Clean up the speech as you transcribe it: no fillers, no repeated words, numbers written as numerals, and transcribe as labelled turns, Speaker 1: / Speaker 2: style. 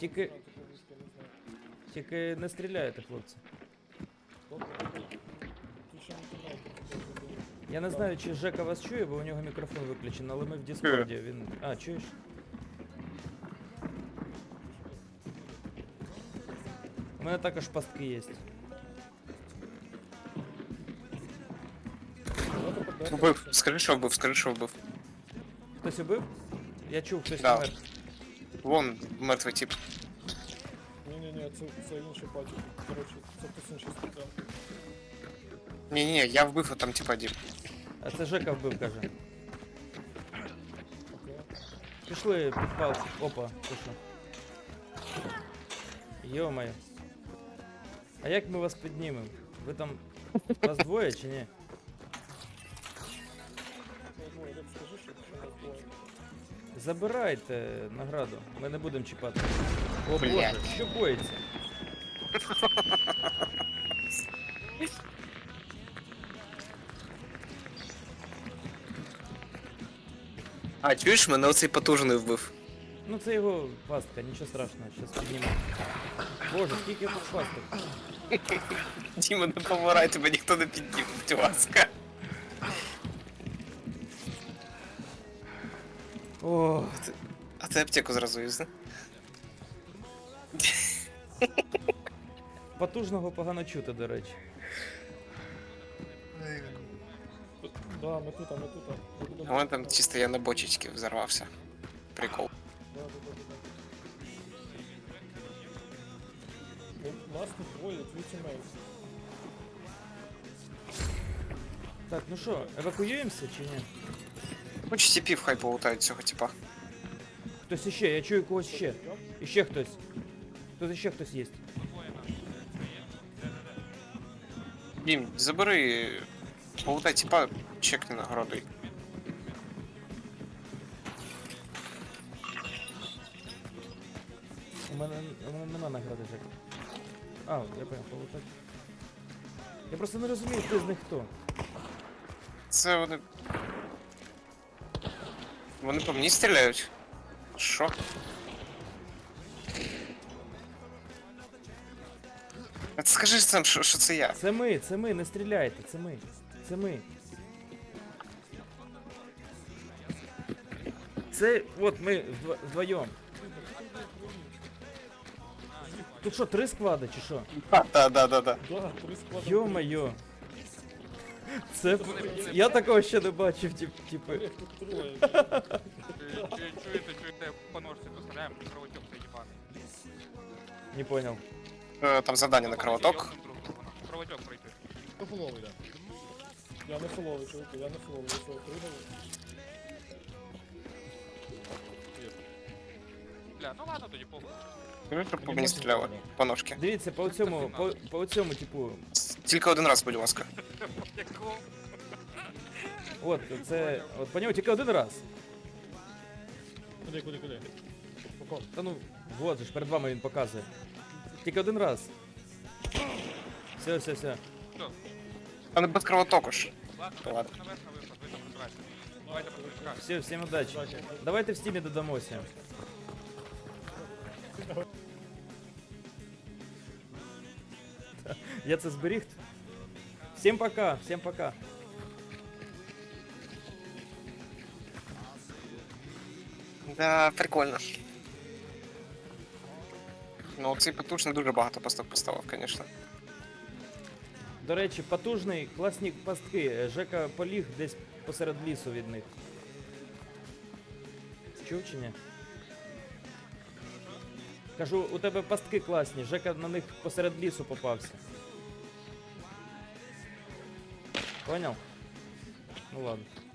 Speaker 1: Тільки, тільки не стріляйте, хлопці. Я не знаю, чи Жека вас чує, бо у нього мікрофон виключений, але ми в Діскорді, він... А, чуєш? У мене також пастки є.
Speaker 2: Вбив, скажи, що вбив, скажи, що вбив.
Speaker 1: Хтось убив? Я чув, хтось
Speaker 2: Да.
Speaker 1: помер.
Speaker 2: Вон мертвий тип.
Speaker 3: Ні-ні-ні, це інший патік. Коротше, це хтось інший стріляв.
Speaker 2: Ні-ні, я вбив, а там типа Дім.
Speaker 1: А це Жека вбив, каже.
Speaker 3: Окей.
Speaker 1: Пішли підпал. Опа, ти що? Йо-моє. А як ми вас піднімемо? Ви там... Вас двоє чи ні?
Speaker 3: Ну, я скажи, що нас двоє.
Speaker 1: Забирайте награду, ми не будемо чіпати. О
Speaker 2: Блядь.
Speaker 1: боже, що боїться?
Speaker 2: А, чуєш, мене оцей потужний вбив.
Speaker 1: Ну це його пастка, нічого страшного, зараз піднімемо. Боже, скільки тут пасток?
Speaker 2: Діма, не помирай, тебе ніхто не піднім, будь ласка.
Speaker 1: О,
Speaker 2: А ти аптеку зразу юзни.
Speaker 1: потужного погано чути, до речі.
Speaker 3: Да, ми тут, ми тут. Ми будемо-
Speaker 2: А вон там чисто я на бочечки взорвався. Прикол.
Speaker 3: Да. Ну, нас тут двоє, твій тімейт.
Speaker 1: Так, ну що, евакуюємося чи ні?
Speaker 2: Хоч типів хай полутають цього типа.
Speaker 1: Хтось іще, я чую когось ще. Іще хтось. Тут іще хтось є.
Speaker 2: Дім, забери, полутай типа, чекни нагороди.
Speaker 1: У мене нема награди, Жека. А, я понял, полутать. Я просто не розумію, хто з них хто.
Speaker 2: Це вони. Вони по мені стріляють? Що? А ти скажи сам, що це я.
Speaker 1: Це ми, не стріляйте, це ми. Це ми. Це, от ми вдвоєм. Тут що, 3 склади чи що?
Speaker 2: Да.
Speaker 3: Да, 3 склади.
Speaker 1: Йо-моє. Це... Я такого ще не бачив, типу.
Speaker 3: Олег, тут троє.
Speaker 4: Чуєте, по ножці доставляємо, кровотек цей їбаний.
Speaker 1: Не понял.
Speaker 2: Там завдання на кровоток.
Speaker 4: Кровотек пройти.
Speaker 3: Хто фоловий, да? Я не фоловий, чуваки, я не фоловий. Ви що, пригали?
Speaker 4: Бля, ну ладно тоді похуй.
Speaker 2: Скажи, щоб по мені стріляли. По ножки.
Speaker 1: Дивіться, по цьому, типу,
Speaker 2: Тільки один раз, будь ласка.
Speaker 4: Якого?
Speaker 1: от, це, от по ньому тільки один раз.
Speaker 3: Куди? Поко.
Speaker 1: Та ну, вот же ж, перед вами він показує. Тільки один раз. Все.
Speaker 4: Все,
Speaker 2: А не без кровотоку ж.
Speaker 4: ладно,
Speaker 2: Ладно.
Speaker 4: наверх на виход, ви там розбирайтеся. Давайте по стрічках.
Speaker 1: Все, всім удачі. Давайте в стімі додамося. Я це зберіг. Всім пока.
Speaker 2: Да, прикольно. Ну, цей потужний дуже багато пасток поставив, звісно.
Speaker 1: До речі, потужний, класні пастки. Жека поліг десь посеред лісу від них. Чув чи ні? Кажу, у тебе пастки класні, Жека на них посеред лісу попався. Понял? Ну ладно.